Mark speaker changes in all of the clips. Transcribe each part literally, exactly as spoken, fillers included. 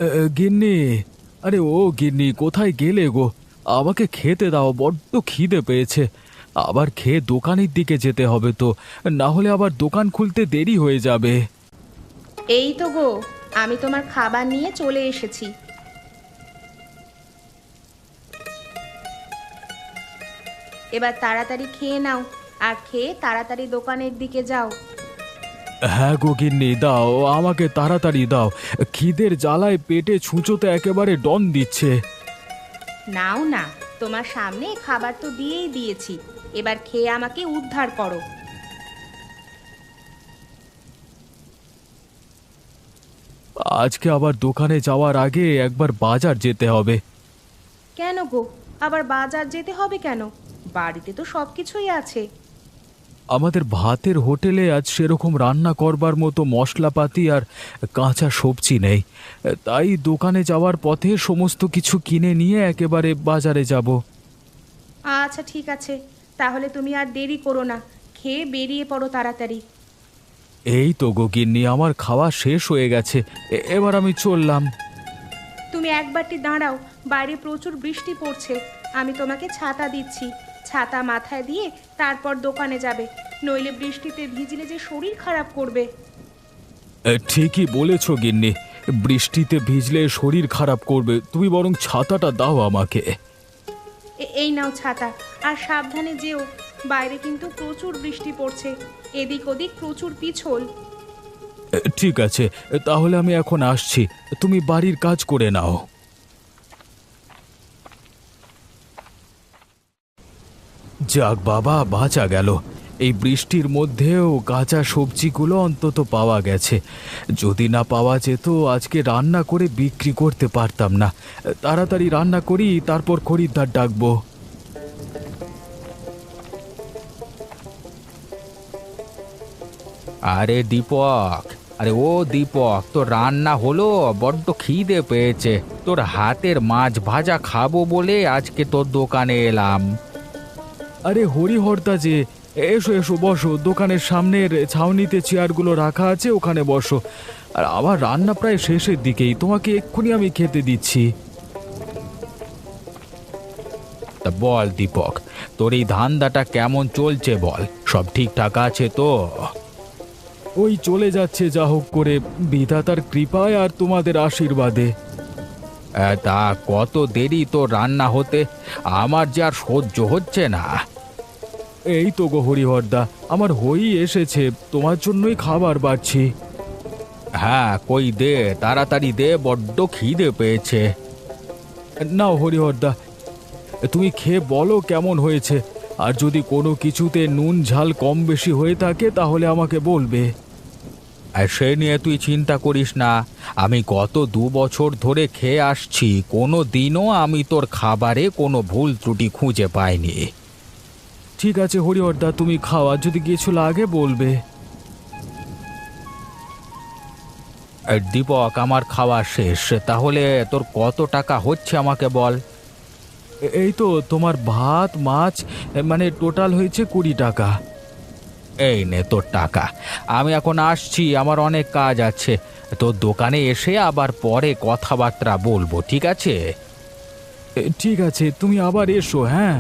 Speaker 1: এ, এ, গিন্নি, আরে ও গিন্নি, কোথায় গেলে গো? আমাকে খেতে দাও, বড্ড খিদে পেয়েছে। আবার খেয়ে দোকানের দিকে যেতে হবে তো, না হলে আবার দোকান খুলতে দেরি হয়ে যাবে।
Speaker 2: এই তো গো, আমি তোমার খাবার নিয়ে চলে এসেছি। এবার তাড়াতাড়ি খেয়ে নাও, আর খেয়ে তাড়াতাড়ি দোকানের দিকে যাও।
Speaker 1: হ্যাঁ গো গিন্নি, দাও, আমাকে তাড়াতাড়ি দাও। খিদের জ্বালায় পেটে ছুঁচোতে একেবারে ডন দিচ্ছে।
Speaker 2: নাও না, তোমার সামনে খাবার তো দিয়েই দিয়েছি, এবার খেয়ে আমাকে উদ্ধার করো।
Speaker 1: আজকে আবার দোকানে যাওয়ার আগে একবার বাজার যেতে হবে।
Speaker 2: কেন গো, আবার বাজার যেতে হবে কেন? বাড়িতে তো সব কিছুই আছে।
Speaker 1: আমাদের ভাতের হোটেলে আজ সেরকম রান্না করবার মতো মশলাপাতি আর কাঁচা সবজি নেই, তাই দোকানে যাওয়ার পথে সমস্ত কিছু কিনে নিয়ে একেবারে বাজারে যাব।
Speaker 2: আচ্ছা ঠিক আছে, তাহলে তুমি আর দেরি করো না, খেয়ে বেরিয়ে পড়ো তাড়াতাড়ি।
Speaker 1: এই তো গো গিন্নি, আমার খাওয়া শেষ হয়ে গেছে, এ- এবার আমি চললাম।
Speaker 2: তুমি একবারটি দাঁড়াও, বাইরে প্রচুর বৃষ্টি পড়ছে। আমি তোমাকে ছাতা দিচ্ছি, ছাতা মাথায় দিয়ে তারপর দোকানে যাবে, নইলে বৃষ্টিতে ভিজলে যে শরীর খারাপ করবে।
Speaker 1: এ, ঠিকই বলেছ গিন্নি, বৃষ্টিতে ভিজলে শরীর খারাপ করবে, তুমি বরং ছাতাটা দাও আমাকে।
Speaker 2: এ- এই নাও ছাতা, আর সাবধানে যেও, বাইরে কিন্তু প্রচুর বৃষ্টি পড়ছে, এদিক ওদিক প্রচুর পিছল।
Speaker 1: এ, ঠিক আছে, তাহলে আমি এখন আসছি, তুমি বাড়ির কাজ করে নাও। যাক বাবা, বাঁচা গেল। এই বৃষ্টির মধ্যেও কাঁচা সবজিগুলো অন্তত পাওয়া গেছে। যদি না পাওয়া যেত আজকে রান্না করে বিক্রি করতে পারতাম না। তাড়াতাড়ি রান্না করি, তারপর খরিদ্দার ডাকবো।
Speaker 3: আরে দীপক, আরে ও দীপক, তোর রান্না হলো? বড্ড খিদে পেয়েছে, তোর হাতের মাছ ভাজা খাবো বলে আজকে তোর দোকানে এলাম।
Speaker 1: আরে হরিহরদা যে, এসো এসো, বসো, দোকানের সামনের ছাউনিতে চেয়ারগুলো রাখা আছে, ওখানে বসো। আর আমার রান্না প্রায় শেষের দিকেই, তোমাকে এক্ষুনি আমি খেতে দিচ্ছি।
Speaker 3: তা বল দীপক, তোর এই ধান্দাটা কেমন চলছে বল, সব ঠিকঠাক আছে তো?
Speaker 1: ওই চলে যাচ্ছে যা হোক করে, বিধাতার কৃপায় আর তোমাদের আশীর্বাদে।
Speaker 3: আহ, তা কত দেরি তোর রান্না হতে? আমার যে আর সহ্য হচ্ছে না।
Speaker 1: এই তো গো হরিহরদা, আমার হই এসেছে, তোমার জন্যই খাবার বাড়ছি।
Speaker 3: হ্যাঁ, কই দে, তাড়াতাড়ি দে, বড্ড খিদে পেয়েছে।
Speaker 1: নাও হরিহরদা, তুমি খেয়ে বলো কেমন হয়েছে, আর যদি কোনো কিছুতে নুন ঝাল কম বেশি হয়ে থাকে তাহলে আমাকে বলবে।
Speaker 3: আর সে নিয়ে তুই চিন্তা করিস না, আমি গত দু বছর ধরে খেয়ে আসছি, কোনো দিনও আমি তোর খাবারে কোনো ভুল ত্রুটি খুঁজে পাইনি।
Speaker 1: ঠিক আছে হরিহরদা, তুমি খাও, আর যদি কিছু লাগে বলবে।
Speaker 3: আর দীপক, আমার খাওয়া শেষ, তাহলে তোর কত টাকা হচ্ছে আমাকে বল।
Speaker 1: এ- এই তো তোমার ভাত মাছ, এ, মানে টোটাল হয়েছে কুড়ি টাকা।
Speaker 3: এই নে তোর টাকা, আমি এখন আসছি, আমার অনেক কাজ আছে, তোর দোকানে এসে আবার পরে কথাবার্তা বলবো, ঠিক আছে?
Speaker 1: এ, ঠিক আছে, তুমি আবার এসো, হ্যাঁ।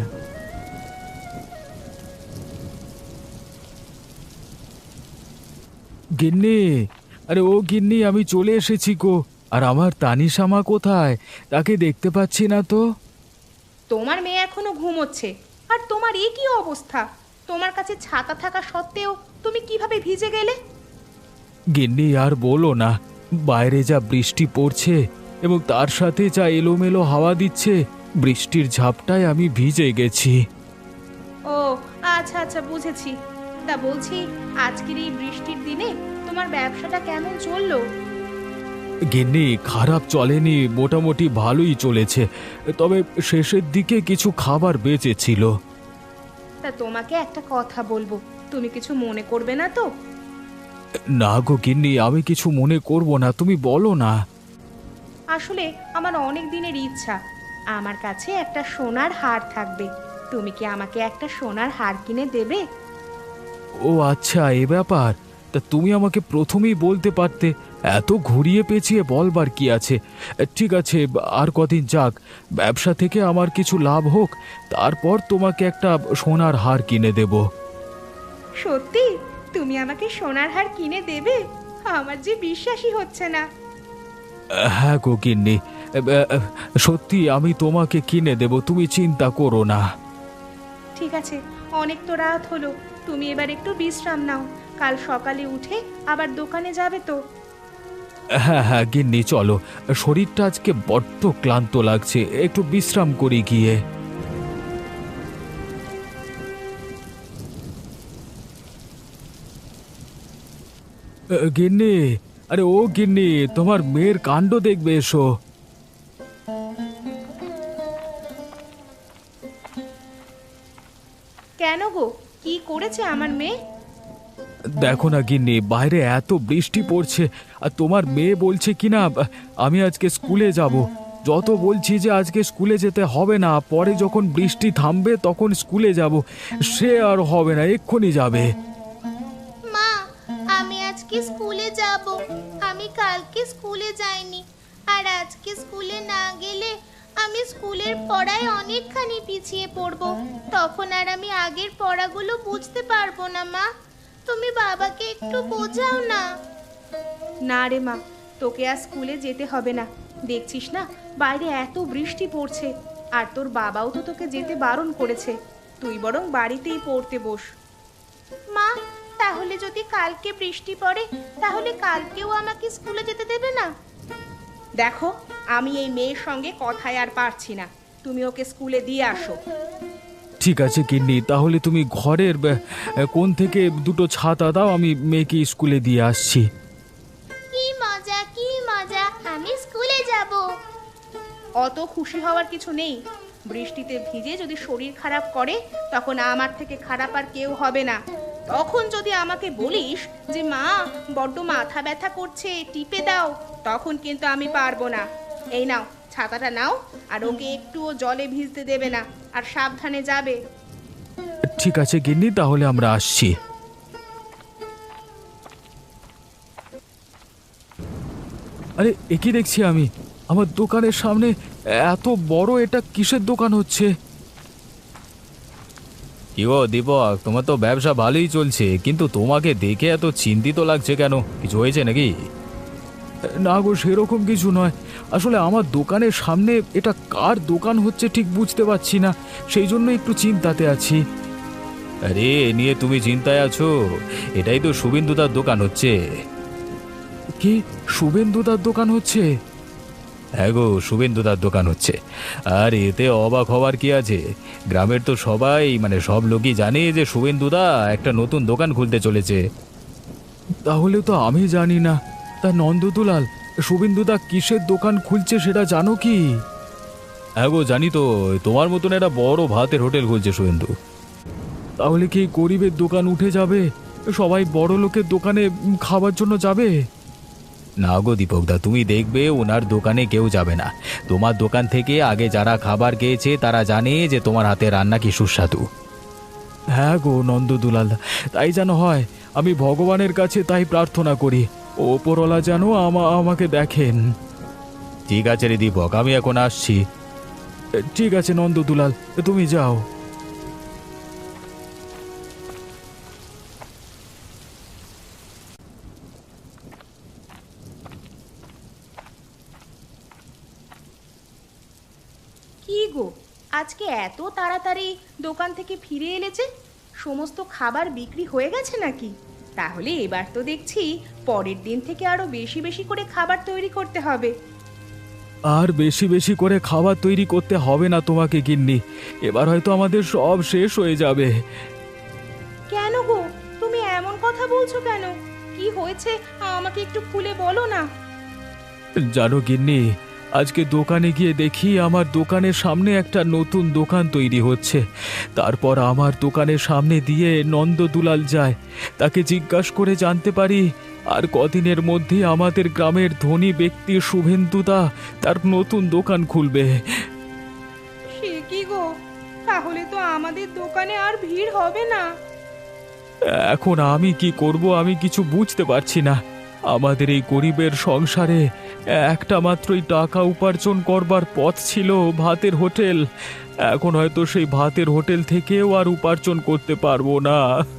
Speaker 1: গিন্নি, আরে ও গিন্নি, আমি চলে এসেছি গো। আর আমার তানিশামা কোথায়? তাকে দেখতে পাচ্ছি না তো।
Speaker 2: তোমার মেয়ে এখনো ঘুমোচ্ছে, আর তোমার এই কি অবস্থা? তোমার কাছে ছাতা থাকা সত্ত্বেও তুমি কিভাবে ভিজে গেলে?
Speaker 1: গিন্নি আর বলো না, বাইরে যা বৃষ্টি পড়ছে এবং তার সাথে যা এলোমেলো হাওয়া দিচ্ছে, বৃষ্টির ঝাপটায় আমি ভিজে গেছি।
Speaker 2: ও আচ্ছা আচ্ছা, বুঝেছি। তা বলছি, আজকের এই বৃষ্টির দিনে তোমার ব্যবসাটা কেমন চললো?
Speaker 1: গিন্নি, খারাপ চলেনি, মোটামুটি ভালোই চলেছে, তবে শেষের দিকে কিছু খাবার বেঁচেছিল।
Speaker 2: তা তোমাকে একটা কথা বলবো, তুমি কিছু মনে করবে না তো?
Speaker 1: না গো গিন্নি, আমি কিছু মনে করব না, তুমি বলো না।
Speaker 2: আসলে আমার অনেক দিনের ইচ্ছা, আমার কাছে একটা সোনার হার থাকবে। তুমি কি আমাকে একটা সোনার হার কিনে দেবে?
Speaker 1: ও আচ্ছা, এ ব্যাপার। তা তুমি আমাকে প্রথমেই বলতে পারতে। এত ঘুরিয়ে পেঁচিয়ে বলবার কি আছে। ঠিক আছে, আর কদিন যাক, ব্যবসা থেকে আমার কিছু লাভ হোক, তারপর তোমাকে একটা সোনার হার কিনে দেব।
Speaker 2: সত্যি তুমি আমাকে সোনার হার কিনে দেবে? আমার যে বিশ্বাসই হচ্ছে না।
Speaker 1: হ্যাঁ গো গিন্নি, সত্যি আমি তোমাকে কিনে দেব, তুমি চিন্তা করো না।
Speaker 2: ঠিক আছে, অনেক তো রাত হলো, তুমি এবার একটু বিশ্রাম নাও। কাল সকালে উঠে আবার দোকানে যাবে তো?
Speaker 1: হ্যাঁ হ্যাঁ গিন্নি, চলো, শরীরটা আজকে বড্ড ক্লান্ত লাগছে, একটু বিশ্রাম করি গিয়ে। গিন্নি, আরে ও গিন্নি, তোমার মেয়ের কাণ্ড দেখবে, এসো।
Speaker 2: কেন গো, কি করেছে আমার মেয়ে?
Speaker 1: দেখো না গিন্নি, বাইরে এত বৃষ্টি পড়ছে, আর তোমার মেয়ে বলছে কিনা আমি আজকে স্কুলে যাব। যত বলছি যে আজকে স্কুলে যেতে হবে না, পরে যখন বৃষ্টি থামবে তখন স্কুলে যাব, সে আর হবে না, এক্ষুনি যাবে।
Speaker 4: মা, আমি আজকে স্কুলে যাব। আমি কালকে স্কুলে যাইনি, আর আজকে স্কুলে না গেলে আমি স্কুলের পড়ায় অনেকখানি পিছিয়ে পড়ব। তখন আর আমি আগের পড়াগুলো বুঝতে পারবো না। মা, তুমি বাবাকে একটু বোঝাও না।
Speaker 2: না রে মা, তোকে আর স্কুলে যেতে হবে না। দেখছিস না বাইরে এত বৃষ্টি পড়ছে, আর তোর বাবাও তো তোকে যেতে বারণ করেছে। তুই বরং বাড়িতেই পড়তে বস।
Speaker 4: মা, তাহলে যদি কালকে বৃষ্টি পড়ে, তাহলে কালকেও আমাকে স্কুলে যেতে দেবে না?
Speaker 2: দেখো, আমি এই মেয়ের সঙ্গে কথায় আর পারছি না, তুমি ওকে স্কুলে দিয়ে আসো।
Speaker 1: ঠিক আছে গিন্নি, তাহলে তুমি ঘরের ব- কোণ থেকে দুটো ছাতা দাও, আমি মেয়েকে স্কুলে দিয়ে আসছি।
Speaker 4: কি মজা, কি মজা, আমি স্কুলে যাব।
Speaker 2: অত খুশি হওয়ার কিছু নেই। বৃষ্টিতে ভিজে যদি শরীর খারাপ করে, তখন আমার থেকে খারাপ আর কেউ হবে না। তখন যদি আমাকে বলিস যে মা বড্ড মাথা ব্যথা করছে, টিপে দাও, তখন কিন্তু আমি পারবো না। এই নাও, ছাতাটা নাও, আর ওকে একটুও জলে ভিজতে দেবে না, আর সাবধানে যাবে।
Speaker 1: ঠিক আছে গিন্নি, তাহলে আমরা আসছি। আরে এ কি দেখছি আমি, আমার দোকানের সামনে এত বড়, এটা কিসের দোকান হচ্ছে? কি গো দীপক, তোমার তো ব্যবসা ভালোই চলছে, কিন্তু তোমাকে দেখে এত চিন্তিত লাগছে কেন? কিছু হয়েছে নাকি? না গো, সেরকম কিছু নয়। আসলে আমার দোকানের সামনে এটা কার দোকান হচ্ছে ঠিক বুঝতে পারছি না, সেই জন্য একটু চিন্তাতে আছি। আরে এ নিয়ে তুমি চিন্তায় আছো? এটাই তো শুভেন্দুদার দোকান হচ্ছে। কি, শুভেন্দুদার দোকান হচ্ছে? হ্যাঁ গো, শুভেন্দুদার দোকান হচ্ছে। আর এতে অবাক হওয়ার কি আছে? গ্রামের তো সবাই, মানে সব লোকই জানে যে শুভেন্দুদা একটা নতুন দোকান খুলতে চলেছে। তাহলে তো আমি জানি না। তা নন্দদুলাল, শুভেন্দুদা কিসের দোকান খুলছে সেটা জানো কি? হ্যাঁ গো জানি তো, তোমার মতন একটা বড় ভাতের হোটেল খুলছে শুভেন্দু। তাহলে কি গরিবের দোকান উঠে যাবে? সবাই বড় লোকের দোকানে খাবার জন্য যাবে? না গো দীপকদা, তুমি দেখবে ওনার দোকানে কেউ যাবে না। তোমার দোকান থেকে আগে যারা খাবার খেয়েছে তারা জানে যে তোমার হাতে রান্না কি সুস্বাদু। হ্যাঁ গো নন্দদুলাল, তাই যেন হয়। আমি ভগবানের কাছে তাই প্রার্থনা করি, ওপরওয়ালা যেন আমা আমাকে দেখেন। ঠিক আছে রে দীপক, আমি এখন আসছি। ঠিক আছে নন্দদুলাল, তুমি যাও।
Speaker 2: কি গো, আজকে এত তাড়াতাড়ি দোকান থেকে ফিরে এলে যে? সমস্ত খাবার বিক্রি হয়ে গেছে নাকি? তাহলে এবার তো দেখছি পরের দিন থেকে আরো বেশি বেশি করে খাবার তৈরি করতে হবে।
Speaker 1: আর বেশি বেশি করে খাবার তৈরি করতে হবে না তোমাকে গিন্নি, এবার হয়তো আমাদের সব শেষ হয়ে যাবে।
Speaker 2: কেন গো, তুমি এমন কথা বলছো কেন? কি হয়েছে আমাকে একটু খুলে বলো না।
Speaker 1: জানো গিন্নি, আজকে দোকানে গিয়ে দেখি আমার দোকানের সামনে একটা নতুন দোকান তৈরি হচ্ছে। তারপর আমার দোকানের সামনে দিয়ে নন্দদুলাল যায়, তাকে জিজ্ঞাসা করে জানতে পারি আর কদিনের মধ্যে আমাদের গ্রামের ধনী ব্যক্তি শুভেন্দুদা তার নতুন দোকান খুলবে।
Speaker 2: সে কি গো, তাহলে তো আমাদের দোকানে আর ভিড় হবে না।
Speaker 1: এখন আমি কি করব আমি কিছু বুঝতে পারছি না। আমাদের এই গরিবের সংসারে একটা মাত্রই টাকা উপার্জন করবার পথ ছিল ভাতের হোটেল। এখন হয়তো সেই ভাতের হোটেল থেকেও আর উপার্জন করতে পারবো না।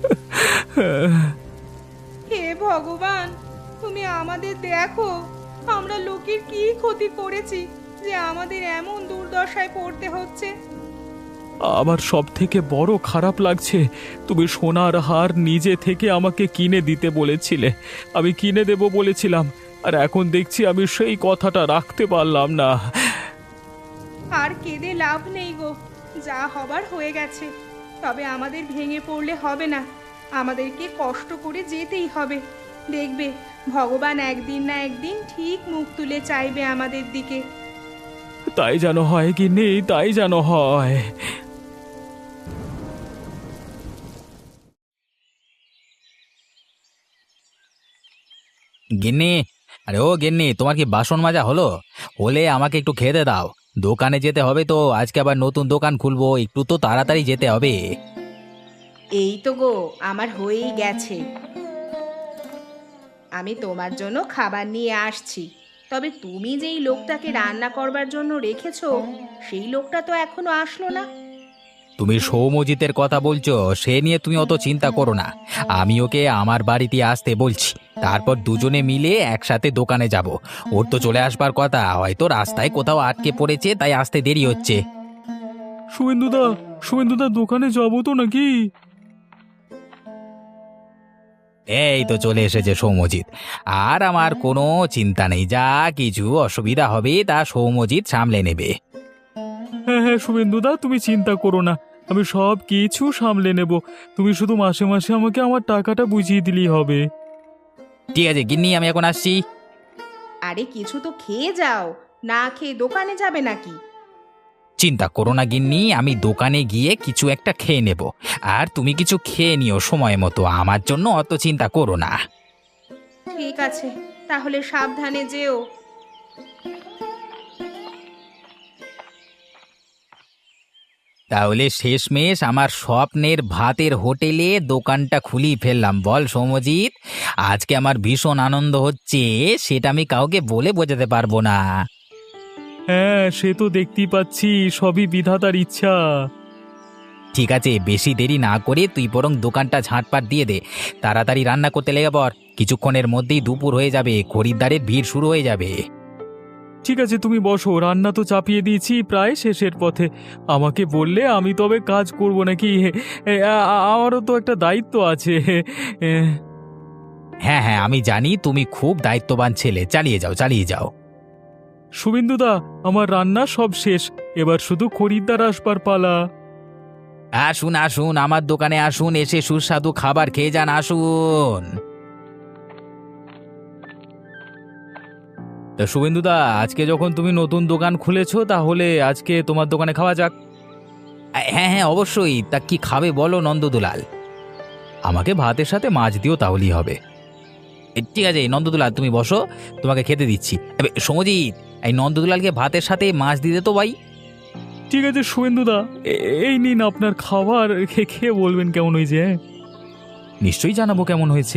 Speaker 2: হে ভগবান, তুমি আমাদের দেখো, আমরা লোকের কি ক্ষতি করেছি যে আমাদের এমন দুর্দশায় পড়তে হচ্ছে।
Speaker 1: আমার সব থেকে বড় খারাপ লাগছে, তুমি সোনার হার নিজে থেকে আমাকে কিনে দিতে বলেছিলে, আমি কিনে দেব বলেছিলাম, আর এখন দেখছি আমি সেই কথাটা রাখতে পারলাম না।
Speaker 2: আর কেঁদে লাভ নেই গো, যা হবার হয়ে গেছে। তবে আমাদের ভেঙে পড়লে হবে না, আমাদেরকে কষ্ট করে যেতেই হবে। দেখবে ভগবান একদিন না একদিন ঠিক মুখ তুলে চাইবে আমাদের দিকে।
Speaker 1: তাই যেন হয় কি নেই, তাই যেন হয়।
Speaker 3: গিন্নি, আরে ও গিন্নি, তোমার কি বাসন মাজা হলো? হলে আমাকে একটু খেতে দাও। দোকানে যেতে হবে তো, আজকে আবার নতুন দোকান খুলবো, একটু তো তাড়াতাড়ি যেতে হবে।
Speaker 2: এই তো গো, আমার হয়েই গেছে। আমি তোমার জন্য খাবার নিয়ে আসছি। তবে তুমি যেই লোকটাকে রান্না করবার জন্য রেখেছো, সেই লোকটা তো এখনো আসলো না।
Speaker 3: তুমি সৌমজিতের কথা বলছো, সে নিয়ে তুমি অত চিন্তা করো না। আমি ওকে আমার বাড়িতে আসতে বলছি, তারপর দুজনে মিলে একসাথে দোকানে যাব। ওর তো চলে আসবার কথা, হয়তো রাস্তায় কোথাও আটকে পড়েছে, তাই আসতে দেরি হচ্ছে।
Speaker 1: শুভেন্দুদা, শুভেন্দুদা দোকানে যাবো তো নাকি?
Speaker 3: এই তো চলে এসেছে সৌমজিৎ। আর আমার কোনো চিন্তা নেই, যা কিছু অসুবিধা হবে তা সৌমজিৎ সামলে নেবে।
Speaker 1: হ্যাঁ হ্যাঁ শুভেন্দুদা, তুমি চিন্তা করো না, আমি সব কিছু সামলে নেব। তুমি শুধু মাসে মাসে আমাকে আমার টাকাটা বুঝিয়ে দিলেই হবে।
Speaker 3: ঠিক আছে গিন্নি, আমি এখন আসছি।
Speaker 2: আরে কিছু তো খেয়ে যাও, না খেয়ে দোকানে যাবে নাকি?
Speaker 3: চিন্তা করো না গিন্নি, আমি দোকানে গিয়ে কিছু একটা খেয়ে নেব, আর তুমি কিছু খেয়ে নিও সময় মতো, আমার জন্য অত চিন্তা করো না।
Speaker 2: ঠিক আছে, তাহলে সাবধানে যেও।
Speaker 3: তাহলে শেষমেশ আমার স্বপ্নের ভাতের হোটেলে দোকানটা খুলি ফেললাম, বল সৌমজিৎ। আজকে আমার ভীষণ আনন্দ হচ্ছে, সেটা আমি কাউকে বলে বোঝাতে পারবো না।
Speaker 1: হ্যাঁ সে তো দেখতেই পাচ্ছি, সবই বিধাতার ইচ্ছা।
Speaker 3: ঠিক আছে, বেশি দেরি না করে তুই বরং দোকানটা ঝাঁটপাট দিয়ে দে, তাড়াতাড়ি রান্না করতে লেগে পড়। কিছুক্ষণের মধ্যেই দুপুর হয়ে যাবে, খরিদ্দারের ভিড় শুরু হয়ে যাবে।
Speaker 1: ঠিক আছে তুমি বসো, রান্না তো চাপিয়ে দিয়েছি, প্রায় শেষের পথে। আমাকে বললে আমি তবে কাজ করব নাকি? এ, আ- আ- আমারও তো একটা দায়িত্ব আছে। এ,
Speaker 3: হ্যাঁ হ্যাঁ, আমি জানি তুমি খুব দায়িত্ববান ছেলে, চালিয়ে যাও চালিয়ে যাও।
Speaker 1: শুভেন্দুদা, আমার রান্না সব শেষ, এবার শুধু খরিদ্দার আসবার পালা।
Speaker 3: আসুন আসুন, আমার দোকানে আসুন, এসে সুস্বাদু খাবার খেয়ে যান, আসুন।
Speaker 1: তা শুভেন্দুদা, আজকে যখন তুমি নতুন দোকান খুলেছো, তাহলে আজকে তোমার দোকানে খাওয়া যাক।
Speaker 3: হ্যাঁ হ্যাঁ অবশ্যই, তা কি খাবে বলো নন্দদুলাল?
Speaker 1: আমাকে ভাতের সাথে মাছ দিও, তাহলেই হবে।
Speaker 3: এ, ঠিক আছে নন্দদুলাল, তুমি বসো, তোমাকে খেতে দিচ্ছি। এবে, সৌমজিৎ, এই নন্দদুলালকে ভাতের সাথে মাছ দিতে তো ভাই।
Speaker 1: ঠিক আছে শুভেন্দুদা, এ- এই নিন আপনার খাবার, খে- খেয়ে বলবেন কেমন হয়েছে। হ্যাঁ? নিশ্চয়ই জানাবো কেমন হয়েছে।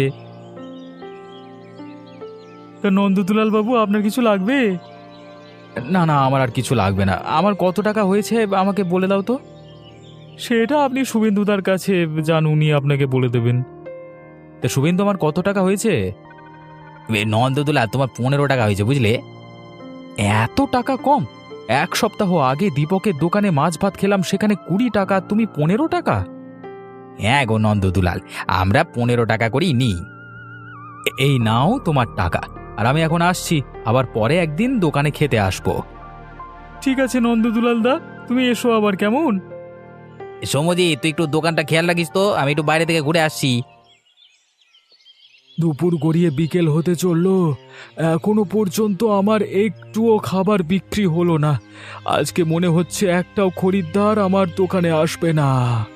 Speaker 1: তা নন্দদুলাল বাবু, আপনার কিছু লাগবে? না না, আমার আর কিছু লাগবে না। আমার কত টাকা হয়েছে আমাকে বলে দাও তো। সেটা আপনি শুভেন্দুদার কাছে যান, উনি আপনাকে বলে দেবেন। তা শুভেন্দু, আমার কত টাকা হয়েছে?
Speaker 3: এ, নন্দদুলাল, তোমার পনেরো টাকা হয়েছে, বুঝলে?
Speaker 1: এত টাকা কম? এক সপ্তাহ আগে দীপকের দোকানে মাছ ভাত খেলাম, সেখানে কুড়ি টাকা, তুমি পনেরো টাকা?
Speaker 3: হ্যাঁ গো নন্দদুলাল, আমরা পনেরো টাকা করেই নিই।
Speaker 1: এ- এই নাও তোমার টাকা, আর আমি এখন আসছি, আবার পরে একদিন দোকানে খেতে আসবো। ঠিক আছে নন্দদুলাল দা, তুমি এসো আবার, কেমন?
Speaker 3: সৌমজিৎ, তুই একটু দোকানটা খেয়াল রাখিস তো, আমি একটু বাইরে থেকে ঘুরে আসছি।
Speaker 1: দুপুর গড়িয়ে বিকেল হতে চললো, এখনো পর্যন্ত আমার একটুও খাবার বিক্রি হলো না। আজকে মনে হচ্ছে একটাও খরিদ্দার আমার দোকানে আসবে না।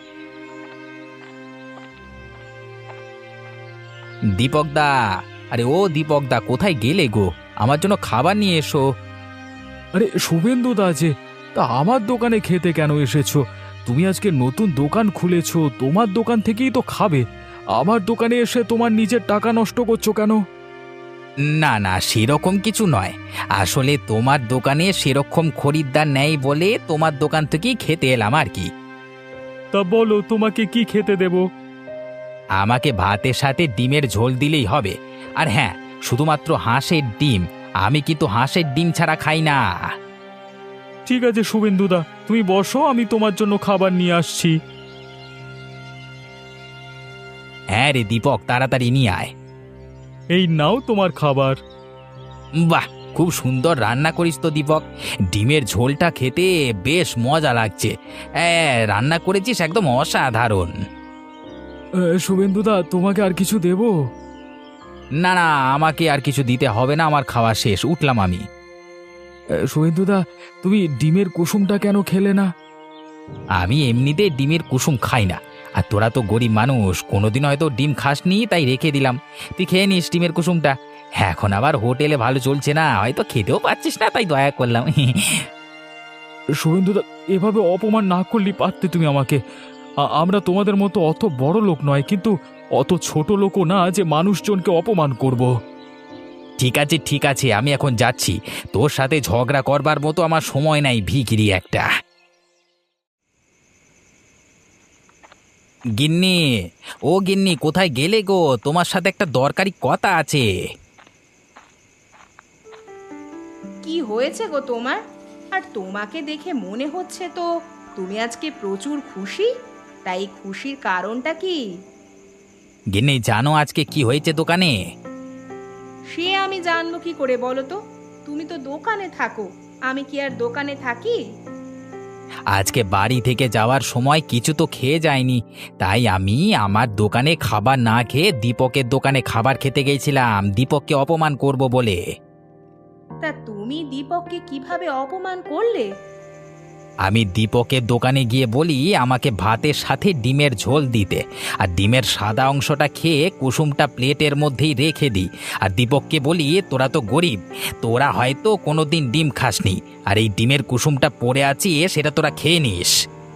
Speaker 3: দীপক দা, আরে ও দীপক দা, কোথায় গেলে গো? আমার জন্য খাবার নিয়ে এসো।
Speaker 1: আরে শুভেন্দু দা যে, তা আমার দোকানে খেতে কেন এসেছো? তুমি আজকে নতুন দোকান খুলেছো, তোমার দোকান থেকেই তো খাবে। আমার দোকানে এসে তোমার নিজের টাকা নষ্ট করছো কেন?
Speaker 3: না না, সেরকম কিছু নয়। আসলে তোমার দোকানে সেরকম খরিদ্দার নেই বলে তোমার দোকান থেকেই খেতে এলাম আর কি।
Speaker 1: তা বলো, তোমাকে কি খেতে দেব?
Speaker 3: আমাকে ভাতের সাথে ডিমের ঝোল দিলেই হবে। আর হ্যাঁ, শুধুমাত্র হাঁসের ডিম। আমি কিন্তু হাঁসের ডিম ছাড়া খাই না।
Speaker 1: ঠিক আছে শুভেন্দুদা, তুমি বসো, আমি তোমার জন্য খাবার নিয়ে আসছি।
Speaker 3: হ্যাঁ রে দীপক, তাড়াতাড়ি নিয়ে আয়।
Speaker 1: এই নাও তোমার খাবার।
Speaker 3: বাহ, খুব সুন্দর রান্না করিস তো দীপক। ডিমের ঝোলটা খেতে বেশ মজা লাগছে। হ্যাঁ, রান্না করেছিস একদম অসাধারণ।
Speaker 1: এ, শুভেন্দুদা, তোমাকে আর কিছু দেব?
Speaker 3: না না, আমাকে আর কিছু দিতে হবে না, আমার খাওয়া শেষ, উঠলাম আমি।
Speaker 1: এ, শুভেন্দুদা, তুমি ডিমের কুসুমটা কেন খেলে না?
Speaker 3: আমি এমনিতে ডিমের কুসুম খাই না। আর তোরা তো গরিব মানুষ, কোনোদিন হয়তো ডিম খাসনি, তাই রেখে দিলাম। তুই খেয়ে নিস ডিমের কুসুমটা। এখন আবার হোটেলে ভালো চলছে না, হয়তো খেতেও পাচ্ছিস না, তাই দয়া করলাম।
Speaker 1: শুভেন্দুদা, এভাবে অপমান না করলেই পারতে তুমি আমাকে। আ- আমরা তোমাদের মতো অত বড় লোক নয়, কিন্তু অত ছোট লোকও না যে মানুষজনকে অপমান করব।
Speaker 3: ঠিক আছে ঠিক আছে, আমি এখন যাচ্ছি। তোর সাথে ঝগড়া করবার মতো আমার সময় নাই, ভিখিরি একটা। গিন্নি, ও গিন্নি, কোথায় গেলে গো? তোমার সাথে একটা দরকারি কথা আছে।
Speaker 2: কি হয়েছে গো তোমার? আর তোমাকে দেখে মনে হচ্ছে তো তুমি আজকে প্রচুর খুশি। তাই খুশির কারণটা কি?
Speaker 3: গিন্নি, জানো আজকে কি হয়েছে দোকানে?
Speaker 2: সে আমি জানবো কি করে, বলো তো? তুমি তো দোকানে থাকো, আমি কি আর দোকানে থাকি?
Speaker 3: আজকে বাড়ি থেকে যাওয়ার সময় কিছু তো খেয়ে যায়নি, তাই আমি আমার দোকানে খাবার না খেয়ে দীপকের দোকানে খাবার খেতে গেছিলাম, দীপককে অপমান করব বলে।
Speaker 2: তা তুমি দীপককে কিভাবে অপমান করলে?
Speaker 3: আমি দীপকের দোকানে গিয়ে বলি আমাকে ভাতের সাথে ডিমের ঝোল দিতে, আর ডিমের সাদা অংশটা খেয়ে কুসুমটা প্লেটের মধ্যেই রেখে দিই। আর দীপককে বলি, তোরা তো গরিব, তোরা হয়তো কোনোদিন ডিম খাসনি, আর এই ডিমের কুসুমটা পড়ে আছে, সেটা তোরা খেয়ে নিস।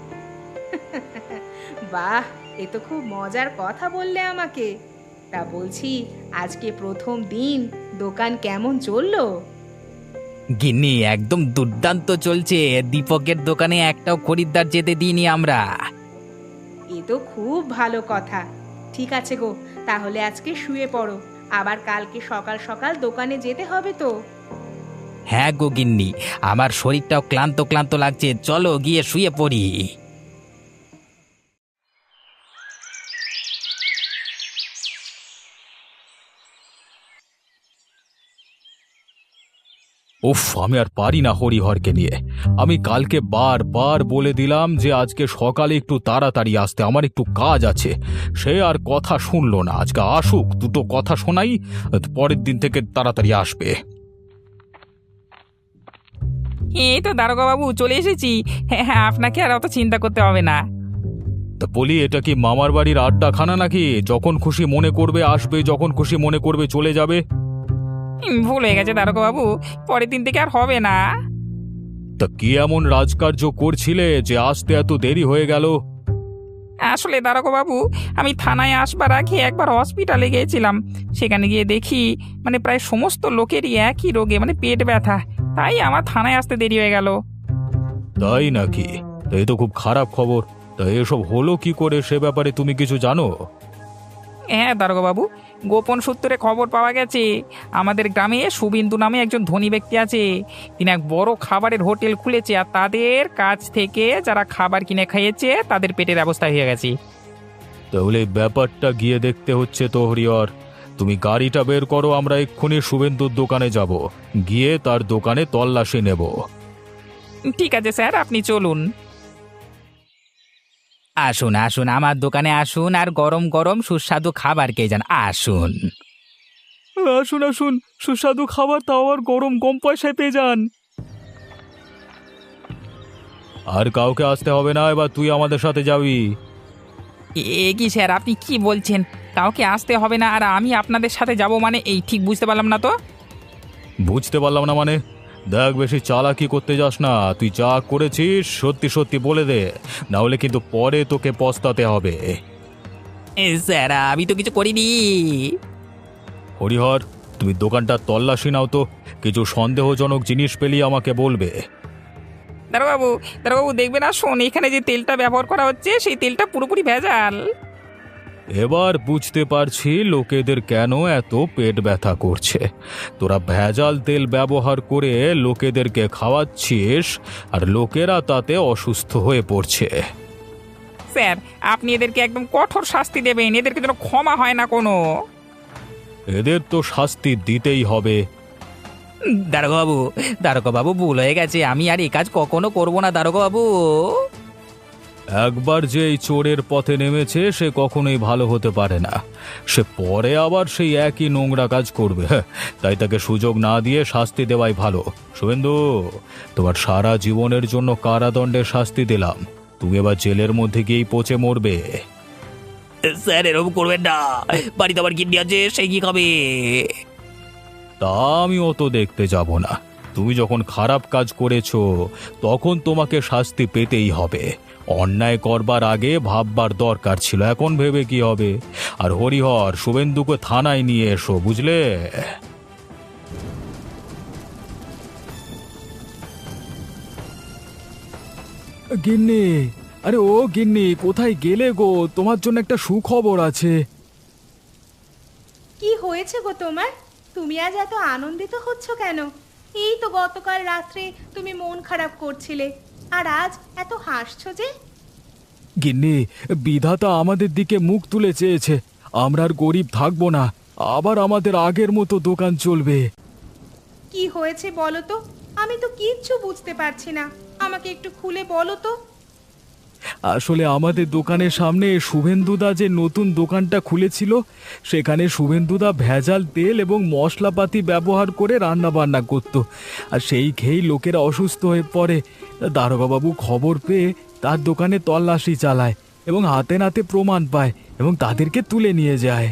Speaker 2: বাহ, এ তো খুব মজার কথা বললে আমাকে। তা বলছি, আজকে প্রথম দিন দোকান কেমন চললো?
Speaker 3: গিন্নি, একদম দুর্দান্ত চলছে। দীপকের দোকানে একটাও খরিদ্দার যেতে দিইনি আমরা।
Speaker 2: এ তো খুব ভালো কথা। ঠিক আছে গো, তাহলে আজকে শুয়ে পড়ো, আবার কালকে সকাল সকাল দোকানে যেতে হবে তো।
Speaker 3: হ্যাঁ গো গিন্নি, আমার শরীরটাও ক্লান্ত ক্লান্ত লাগছে, চলো গিয়ে শুয়ে পড়ি।
Speaker 1: উফ, আমি আর পারি না হরিহরকে নিয়ে। আমি কালকে বারবার বলে দিলাম যে আজকে সকালে একটু তাড়াতাড়ি আসতে, আমার একটু কাজ আছে। সে আর কথা শুনলো না। আজকে আসুক, দুটো কথা শোনাই, পরের দিন থেকে তাড়াতাড়ি আসবে।
Speaker 5: এই তো দারোগা বাবু, চলে এসেছি। হ্যাঁ হ্যাঁ, আপনাকে আর অত চিন্তা করতে হবে না।
Speaker 1: তা বলি, এটা কি মামার বাড়ির আড্ডাখানা নাকি? যখন খুশি মনে করবে আসবে, যখন খুশি মনে করবে চলে যাবে।
Speaker 5: হুম, ভুল হয়ে গেছে দারোগা বাবু, পরের দিন থেকে আর হবে না।
Speaker 1: তা কি এমন রাজকার্য করছিলে যে আসতে এত দেরি হয়ে গেল?
Speaker 5: আসলে দারোগা বাবু, আমি থানায় আসবার আগে একবার হসপিটালে গিয়েছিলাম। সেখানে গিয়ে দেখি মানে প্রায় সমস্ত লোকেরই একই রোগে, মানে পেট ব্যথা। তাই আমার থানায় আসতে দেরি হয়ে গেল।
Speaker 1: তাই নাকি? তা এ তো খুব খারাপ খবর। তা এসব হলো কি করে, সে ব্যাপারে তুমি কিছু জানো?
Speaker 5: হ্যাঁ দারোগা বাবু, গোপন সূত্রে খবর পাওয়া গেছে আমাদের গ্রামে শুভেন্দু নামে একজন ধনী ব্যক্তি আছে। তিনি এক বড় খাবারের হোটেল খুলেছে, আর তাদের কাছ থেকে যারা খাবার কিনে খাইয়েছে তাদের পেটের ব্যবস্থা হয়ে গেছে।
Speaker 1: তাহলে এই ব্যাপারটা গিয়ে দেখতে হচ্ছে তো হরিহর। তুমি গাড়িটা বের করো, আমরা এক্ষুনি শুভেন্দুর দোকানে যাব, গিয়ে তার দোকানে তল্লাশি নেব।
Speaker 5: ঠিক আছে স্যার, আপনি চলুন।
Speaker 3: আসুন আসুন, আমার দোকানে আসুন, আর গরম গরম সুস্বাদু খাবার খেয়ে যান, আসুন।
Speaker 1: আসুন আসুন, সুস্বাদু খাবার, তাও আর গরম, কম পয়সায় পেয়ে যান। আর কাউকে আসতে হবে না, এবার তুই আমাদের সাথে যাবি।
Speaker 5: এ কি স্যার, আপনি কি বলছেন? কাউকে আসতে হবে না আর আমি আপনাদের সাথে যাব মানে? এই ঠিক বুঝতে পারলাম না তো।
Speaker 1: বুঝতে পারলাম না মানে? দেখ, বেশি চালাকি করতে যাস না। তুই যা করেছিস সত্যি সত্যি বলে দে, না হলে কিন্তু পরে তোকে পস্তাতে হবে।
Speaker 5: এ, স্যার আমি তো কিছু করিনি।
Speaker 1: হরিহর, তুমি দোকানটা তল্লাশি নাও তো, কিছু সন্দেহজনক জিনিস পেলে আমাকে বলবে।
Speaker 5: দারোগাবু দারোগাবু দেখবেন, আসুন এখানে যে তেলটা ব্যবহার করা হচ্ছে সেই তেলটা পুরোপুরি ভেজাল।
Speaker 1: এবার বুঝতে পারছি লোকেদের কেন এত পেট ব্যথা করছে। তোরা ভেজাল তেল ব্যবহার করে লোকেদেরকে খাওয়াচ্ছিস, আর লোকেরা তাতে অসুস্থ হয়ে পড়ছে।
Speaker 5: স্যার আপনি এদেরকে একদম কঠোর শাস্তি দেবেন, এদেরকে যেন ক্ষমা হয় না কোনো।
Speaker 1: এদের তো শাস্তি দিতেই হবে।
Speaker 3: দারোগাবু দারোগাবু ভুল হয়ে গেছে, আমি আর এই কাজ কখনো করব না দারোগাবু।
Speaker 1: একবার যে এই চোরের পথে নেমেছে সে কখনোই ভালো হতে পারে না, সে পরে আবার সেই একই নোংরা কাজ করবে। তাই তাকে সুযোগ না দিয়ে শাস্তি দেওয়াই ভালো। শুভেন্দু, তোমার সারা জীবনের জন্য কারাদণ্ডের শাস্তি দিলাম, তুমি এবার জেলের মধ্যে গিয়েই পচে মরবে।
Speaker 3: স্যার এরকম করবেন না, বাড়িতে আবার গিন্নি আছে, সে কি খাবে?
Speaker 1: তা আমি অত দেখতে যাব না। তুমি যখন খারাপ কাজ করেছো তখন তোমাকে শাস্তি পেতেই হবে। অন্যায় করবার আগে ভাববার দরকার ছিল, এখন ভেবে কি হবে? আর হরিহর, শুভেন্দুকে থানায় নিয়ে এসো, বুঝলে? গিন্নি, আরে ও গিন্নি, কোথায় গেলে গো? তোমার জন্য একটা সুখবর আছে।
Speaker 2: কি হয়েছে গো তোমার? তুমি আজ এত আনন্দিত হচ্ছ কেন? এই তো গতকাল রাত্রে তুমি মন খারাপ করছিলে, আর আজ এত হাসছো যে?
Speaker 1: গিন্নি, বিধাতা আমাদের দিকে মুখ তুলে চেয়েছে, আমরা আর গরিব থাকবো না, আবার আমাদের আগের মতো দোকান চলবে।
Speaker 2: কি হয়েছে বলো তো? আমি তো কিচ্ছু বুঝতে পারছি না, আমাকে একটু খুলে বলো তো।
Speaker 1: আসলে আমাদের দোকানের সামনে শুভেন্দুদা যে নতুন দোকানটা খুলেছিল, সেখানে শুভেন্দুদা ভেজাল তেল এবং মশলাপাতি ব্যবহার করে রান্না বান্না করত, আর সেই খেয়েই লোকেরা অসুস্থ হয়ে পড়ে। দারোগাবাবু খবর পেয়ে তার দোকানে তল্লাশি চালায় এবং হাতে নাতে প্রমাণ পায় এবং তাদেরকে তুলে নিয়ে যায়।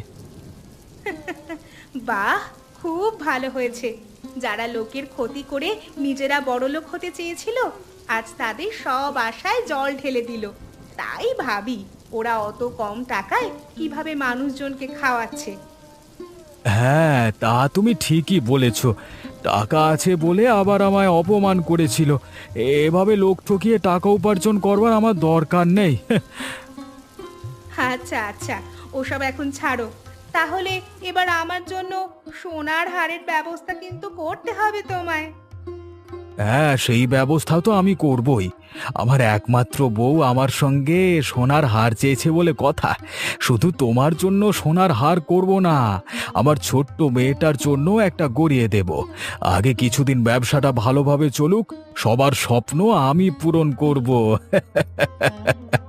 Speaker 2: বাহ, খুব ভালো হয়েছে। যারা লোকের ক্ষতি করে নিজেরা বড়লোক হতে চেয়েছিল, আজ তাদের সব আশায় জল ঢেলে দিল। তাই ভাবি ওরা অত কম টাকায় কিভাবে মানুষজনকে খাওয়াচ্ছে।
Speaker 1: হ্যাঁ, তা তুমি ঠিকই বলেছ। টাকা আছে বলে আবার আমায় অপমান করেছিল। এভাবে লোক ঠকিয়ে টাকা উপার্জন করবার আমার দরকার নেই।
Speaker 2: আচ্ছা আচ্ছা, ওসব এখন ছাড়ো। তাহলে এবার আমার জন্য সোনার হারের ব্যবস্থা কিন্তু করতে হবে তোমায়।
Speaker 1: হ্যাঁ, সেই ব্যবস্থা তো আমি করবই। আমার একমাত্র বউ আমার সঙ্গে সোনার হার চেয়েছে বলে কথা। শুধু তোমার জন্য সোনার হার করব না, আমার ছোট্ট মেয়েটার জন্য একটা গড়িয়ে দেব। আগে কিছুদিন ব্যবসাটা ভালোভাবে চলুক, সবার স্বপ্ন আমি পূরণ করব।